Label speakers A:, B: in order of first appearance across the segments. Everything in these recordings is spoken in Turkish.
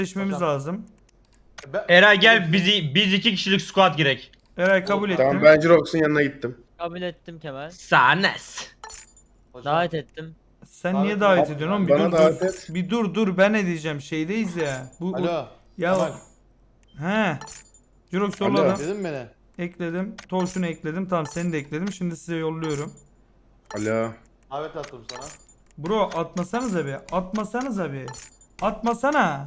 A: Seçmemiz lazım.
B: Eray gel biz 2 kişilik squad girek.
A: Eray kabul ettim.
C: Tamam ben Jirox'un yanına gittim.
D: Kabul ettim Kemal.
B: Sanes.
D: Davet ettim.
A: Sen niye
E: Davet
A: davet
E: et.
A: ediyorsun oğlum? Bir
C: Bana
A: dur
C: davet
A: dur.
C: et.
A: Bir dur ben ne diyeceğim? Şeydeyiz ya.
E: Alo.
A: Ya
E: Kemal,
A: he. Jirox
C: Alo.
A: yolladım.
E: Dedin mi beni?
A: Ekledim. Torşunu ekledim. Tamam seni de ekledim. Şimdi size yolluyorum.
C: Alo.
E: Davet attım sana.
A: Bro atmasanıza bir. Atmasanıza bir. Atmasana.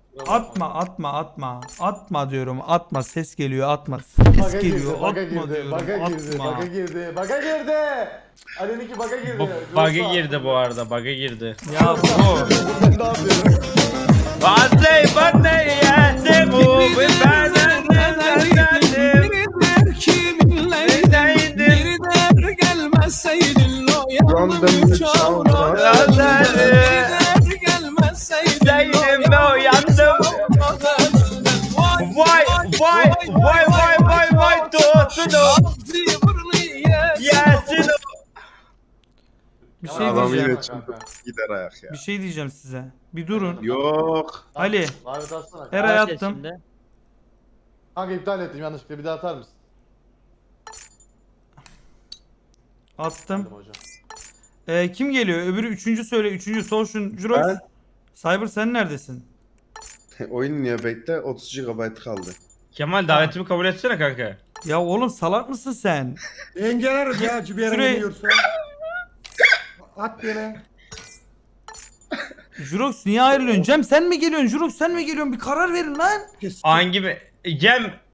A: Atma diyorum. Atma. Ses geliyor. Atma. Ses geliyor.
E: Baga
A: Atma
E: girdi,
A: diyorum.
E: baga girdi,
A: Atma.
E: baga girdi, baga girdi. Ali'ninki baga girdi.
B: Bug'a girdi bu arada, bug'a girdi.
A: Ya bro.
E: Ben ne yapıyorum?
B: Bazey bana yerde bu benden
C: Random
B: Zeynep'e uyandım. Vay dostum. Yesin.
A: Bir şey
C: Adam
A: diyeceğim.
C: yine çıktı. Gider ayak ya.
A: Bir şey diyeceğim size. Bir durun.
C: Yok.
A: Ali.
E: Davet atsana.
A: Eray
D: Davet et
A: attım.
D: şimdi.
E: Kanka iptal ettim yanlışlıkla, bir daha atar mısın?
A: Attım.
E: Hadi hocam.
A: Kim geliyor? Öbürü üçüncü söyle. Üçüncü Sorşun. Jirox.
C: Ben.
A: Cyber sen neredesin?
C: Oyun niye bekle? 30 GB kaldı.
B: Kemal davetimi kabul etsene kanka.
A: Ya oğlum salak mısın sen?
F: Engeler ya bir yere
A: Şuraya-
F: gidiyorsa. At yere.
A: Jirox niye ayrılıyorsun? Cem sen mi geliyorsun? Jirox sen mi geliyorsun? Bir karar verin lan.
B: Hangi bir... Cem